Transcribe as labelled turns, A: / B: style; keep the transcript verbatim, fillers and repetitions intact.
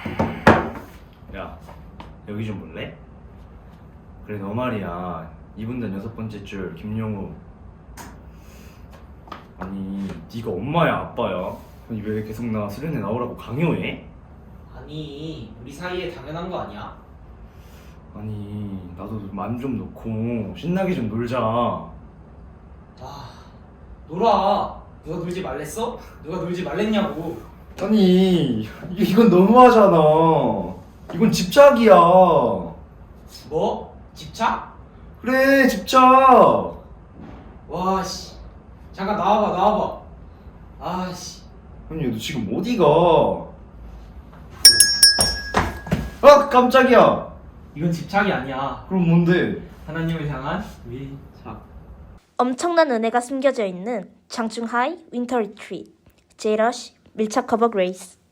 A: 야, 여기 좀 볼래? 그래, 너 말이야. 이분단 여섯 번째 줄 김용우. 아니, 네가 엄마야 아빠야? 아니 왜 계속 나 수련회 나오라고 강요해?
B: 아니, 우리 사이에 당연한 거 아니야?
A: 아니, 나도 맘 좀 놓고 신나게 좀 놀자.
B: 아, 놀아. 누가 놀지 말랬어? 누가 놀지 말랬냐고.
A: 아니, 이- 이건 너무하잖아. 이건 집착이야.
B: 뭐? 집착?
A: 그래, 집착.
B: 와, 씨. 잠깐 나와봐, 나와봐. 아, 씨.
A: 아니, 너 지금 어디가? 아, 깜짝이야.
B: 이건 집착이 아니야.
A: 그럼 뭔데?
B: 하나님을 향한 밀착.
C: 엄청난 은혜가 숨겨져 있는 장충하이 윈터 리트릿 제이러시 밀착 커버 그레이스.